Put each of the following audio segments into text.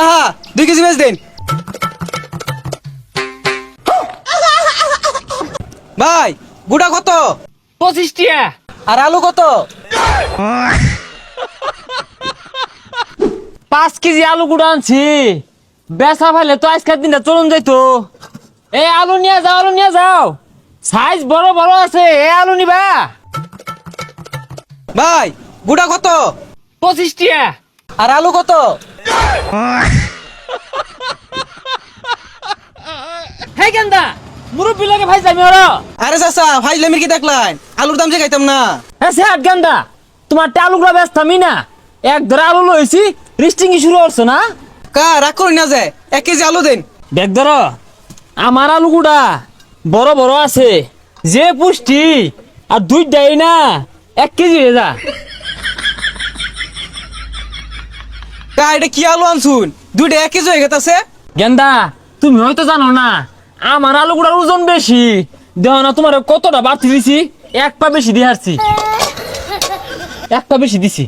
কাহা 2 কেজি বেচ দেন ভাই। গুড়া কত? 25 টিয়া। আর আলু কত? 5 কেজি আলু গুঁড়া আনছি। বেচা ফেলে তো আজকের দিনটা চলুন যাইতো। এই আলু নিয়ে যাও, আলু নিয়ে যাও। সাইজ বড় বড় আছে, এই আলু নিবা। ভাই গুড়া কত? 25 টিয়া। আর আলু কত? হে গেন্দা, মুরব্বি লাগে ভাই যাবি ওরা। আরে চাচা ফাইজলামির কি দেখলেন? আলুর দাম যে খাইতাম না। হ্যাঁ সে গেন্দা, তোমার আলুগুলা ব্যস্তামি না। এক ধরে আলু লইছি, রিস্টিং শুরু করছো না? কা রাগ করি না যে 1 কেজি আলু দেন। দেখ ধর, আমার আলুগুড়া বড় বড় আছে, যে পুষ্টি। আর 2টাই না 1 কেজি হয়ে যা। কা এটা কি আলু আনছুন? 2টা 1 কেজি হয়ে গেছে। গেন্দা, তুমি হয়তো জানো না, আমার আলুগুড়ার ওজন বেশি। দেহ না তোমার কতটা বাড়তি দিছি, 1 পা বেশি দিয়ে হারছি। 1 পা বেশি দিছি।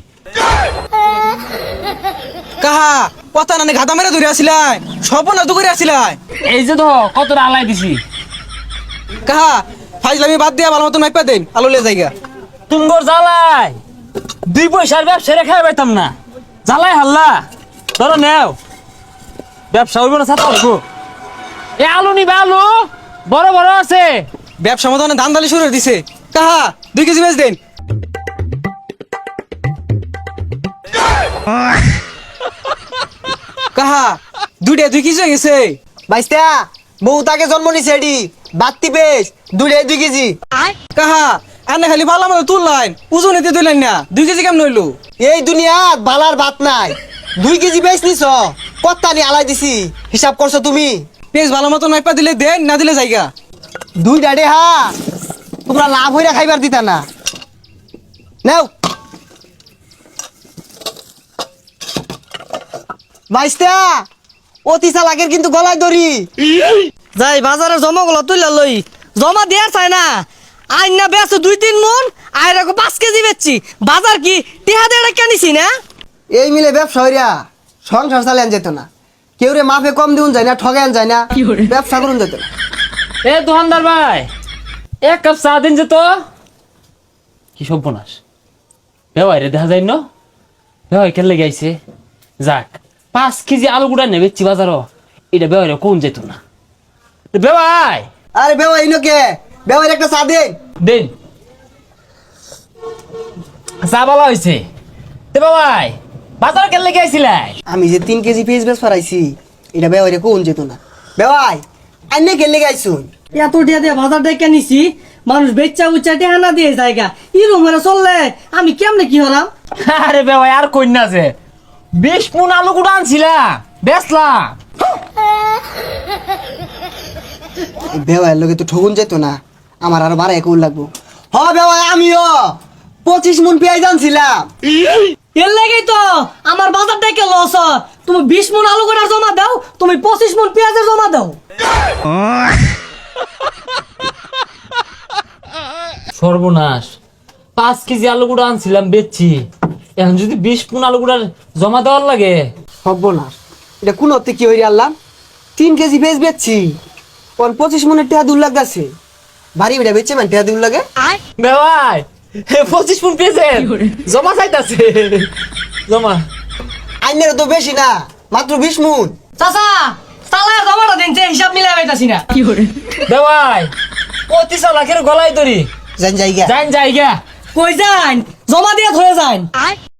কাহা কথা না গাদা মেরে ধরে আসিলাই, সপনা তো করে আসিলাই। এই যে তো কতটা আলাই দিছি। কাহা ফাইজলামি বাদ দিয়া ভালো মতন মাইপা দেন, আলু লে জায়গা। তুমগর জ্বালাই 2 পয়সার ব্যবসা রেখে পাইতাম না। জ্বালাই হাল্লা ধরো নেও, ব্যবসা হইব না ছাতা হইব। এ আলু নিবা, আলু বড় বড় আছে। ব্যবসা মতো ধান দালি শুরু করে দিছে। কাহা 2 কেজি বেচ দেন। কাহা 2টা 2 কেজি হয়ে গেছে। বাইস্তা বউ তাকে জন্ম নিছে এডি বাত্তি পেস 2 কেজি। কাহা আনে খালি ভালো মতো তুললাইন, ওজন এতে তুললেন না। 2 কেজি কেমন হইলো? এই দুনিয়াত বালার ভাত নাই। 2 কেজি বেচ নিছ, কত্তানি আলাই দিছি, হিসাব করছো তুমি? পেঁচ ভালো মতন মাইপা দিলে দেন, না দিলে জায়গা। 2টা ডে হা, তোমরা লাভ হইরা খাইবার দিতা না। নাও বাইস্তা, অতি চালাকের কিন্তু গলায় দড়ি। যাই বাজারে জমা গুলো তুইলা লই, জমা দেয়ার চাই না। আইন না বেছো 2-3 মন, আইরা 5 কেজি বেচছি। বাজার কি টিহা দিয়ে কেনিছি না? এই মিলে ব্যবসা হইরা সংসার চালান যেত না। কেউ রে মাফে কম দিউন যায় না, ঠগান যায় না, ব্যবসা করুন যেত না। এ দোকানদার ভাই, 1 কাপ চা দিন যে তো। কি সর্বনাশ, বেওয়াইরে দেখা যায় না। বেওয়াই কেলে গাইছে। যাক 5 কেজি আলু গুড়া নেবেছি বাজারও, এটা বেওয়াইরে কোন যেত না। বেওয়াই আরে বেওয়া ইনোকে, বেওয়ার একটা চা দেন। দিন চা বলা হয়েছে। তে বাবাই বাজার কেলে গাইছিলাই? আমি যে 3 কেজি পেঁয়াজ বেচ ফরাইছি, এটা বেওয়ারে কোন যেত না। বেওয়াই আইনে গেলে গাইছুন। এত টিহা দিয়ে বাজার দিয়ে কেনিছি, মানুষ বেচা উচ্চা টিহা না দিয়ে জায়গা ইরম হয়ে চললে আমি কেমনে কি হলাম? আরে বেওয়াই আর কইনা যে 20 মন আলু গুড়া আনছিলাম, বেচলাম। বেওয়ার লোকে তো ঠগুন যেত না, আমার আরো বাড়াই কোন লাগবো। হ বেওয়াই আমিও 25 মন পেঁয়াজ আনছিলাম। এর লাগেই তো আমার বাজার থেকে লস। তুমি 20 মন আলু করে জমা দাও, তুমি 25 মন পেঁয়াজের জমা দাও। সর্বনাশ, 5 কেজি আলু গুড়া আনছিলাম বেচছি। এখন যদি 20 মন আলু গুড়ার জমা দেওয়ার লাগে। হব না, এটা কোন অর্থে কি হইরে আনলাম? 3 কেজি পেঁয়াজ বেচছি, ওর 25 মনের টেহা দূর লাগতেছে। ভারী বেটা বেচছে মানে টেহা দূর লাগে। বেওয়াই 25 মন পেয়েছে, জমা চাইতাছে। জমা আইনের তো বেশি না, মাত্র 20 মন। চাচা চালা জমাটা দিন, হিসাব মিলাই পাইতাছি না। বেওয়াই 25 লাখের গলায় দড়ি। জান জায়গা যাইন জায়গা। কই যান, জমা দিয়ে ধরে যান।